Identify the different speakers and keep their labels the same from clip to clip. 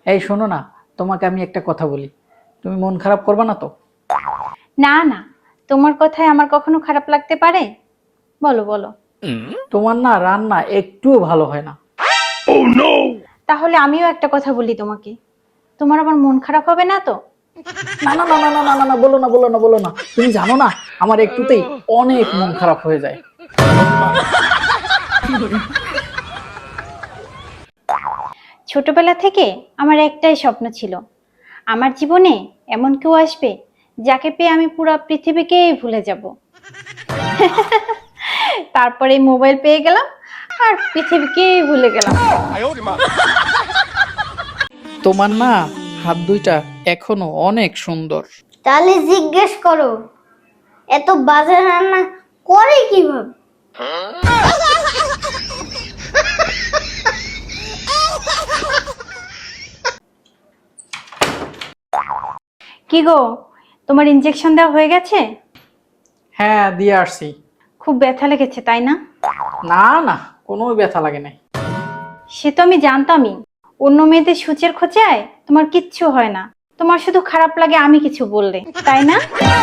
Speaker 1: এই শোনো না, তোমাকে আমি একটা কথা বলি, তুমি মন খারাপ করবে না তো?
Speaker 2: না না, তোমার কথায় আমার কখনো খারাপ লাগতে পারে? বলো বলো।
Speaker 1: তোমার না রান্না একটুও ভালো হয় না।
Speaker 2: তাহলে আমিও একটা কথা বলি তোমাকে, তোমার আবার মন খারাপ হবে না তো?
Speaker 1: না না না না না না না না, বলো না বলো না বলো না, তুমি জানো না আমার একটুতেই অনেক মন খারাপ হয়ে যায়।
Speaker 2: ছোটবেলা থেকে আমার একটাই স্বপ্ন ছিল, আমার জীবনে এমন কেউ আসবে যাকে পেয়ে আমি পুরো পৃথিবীকেই ভুলে যাব। তারপরে মোবাইল পেয়ে গেলাম আর পৃথিবীকেই ভুলে গেলাম।
Speaker 1: তোমার না হাত দুইটা এখনো অনেক সুন্দর।
Speaker 3: তাহলে জিজ্ঞেস করো এত বাজে রান্না করে কিভাবে?
Speaker 2: কি গো, তোমার ইনজেকশন দেওয়া হয়ে গেছে?
Speaker 1: হ্যাঁ, দিয়ে আসছি।
Speaker 2: খুব ব্যথা লেগেছে তাই না?
Speaker 1: না না, কোনো ব্যথা লাগে নাই।
Speaker 2: সে তো আমি জানতামই, অন্য মেয়েদের সূচের খোঁচায় তোমার কিচ্ছু হয় না, তোমার শুধু খারাপ লাগে আমি কিছু বললে, তাই না?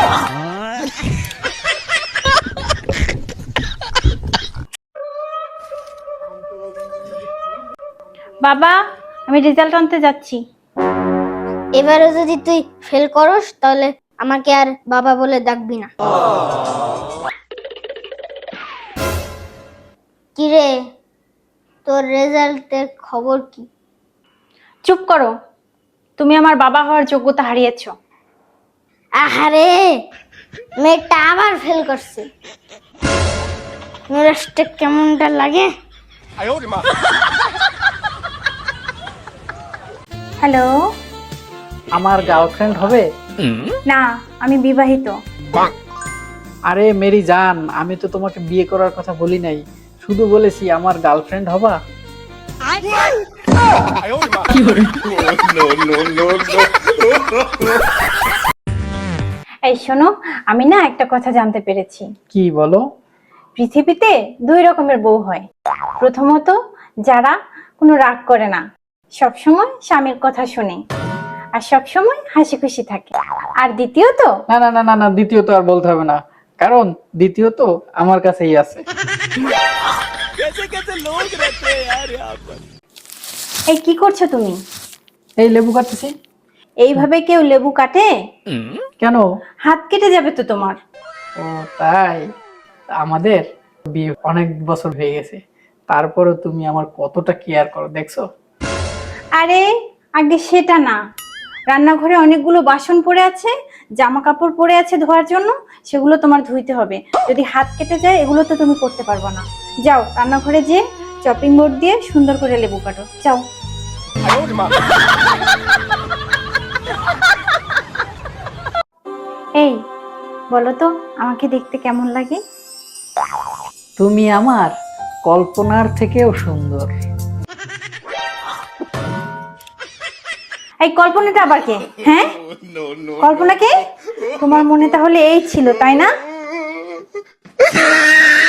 Speaker 2: বাবা, আমি রেজাল্ট আনতে যাচ্ছি।
Speaker 3: এবারে যদি তুই ফেল করস তাহলে আমাকে আর বাবা বলে ডাকবি না। কিরে, তোর রেজাল্টের খবর কি?
Speaker 2: চুপ করো, তুমি আমার বাবা হওয়ার যোগ্যতা হারিয়েছো।
Speaker 3: আহারে, মেয়েটা আবার ফেল করছে। মেজাজটা কেমনটা লাগে।
Speaker 2: হ্যালো।
Speaker 1: আমার গার্লফ্রেন্ড হবে?
Speaker 2: না, আমি বিবাহিত।
Speaker 1: আরে মেরি জান, আমি তো তোমাকে বিয়ে করার কথা বলি নাই, শুধু বলেছি আমার গার্লফ্রেন্ড হবা।
Speaker 2: এই শোনো, আমি না একটা কথা জানতে পেরেছি।
Speaker 1: কি বলো?
Speaker 2: পৃথিবীতে দুই রকমের বউ হয়। প্রথমত, যারা কোনো রাগ করে না, সবসময় স্বামীর কথা শুনে আর সবসময় হাসি খুশি থাকে। আর দ্বিতীয়ত,
Speaker 1: না না না না না, দ্বিতীয়ত আর বলতে হবে না, কারণ দ্বিতীয়ত আমার কাছেই আছে।
Speaker 2: এই কি করছো তুমি?
Speaker 1: এই লেবু কাটতেছি।
Speaker 2: এইভাবে কেউ লেবু কাটে?
Speaker 1: কেন?
Speaker 2: হাত কেটে যাবে তো তোমার।
Speaker 1: ও তাই? আমাদের বিয়ে অনেক বছর হয়ে গেছে, তারপরে তুমি আমার কতটা কেয়ার করো দেখছো।
Speaker 2: আরে আগে সেটা না, রান্নাঘরে অনেকগুলো বাসন পড়ে আছে, জামা কাপড় পড়ে আছে ধোয়ার জন্য, সেগুলো তোমার ধুইতে হবে। যদি হাত কেটে যায় এগুলো তো তুমি করতে পারবে না। যাও রান্নাঘরে যে চপিং বোর্ড দিয়ে সুন্দর করে লেবু কাটো, যাও। এই বলো তো, আমাকে দেখতে কেমন লাগে?
Speaker 1: তুমি আমার কল্পনার থেকেও সুন্দর।
Speaker 2: এই কল্পনাটা আবার কে? হ্যাঁ, কল্পনা কে? তোমার মনে তাহলে এই ছিল তাই না?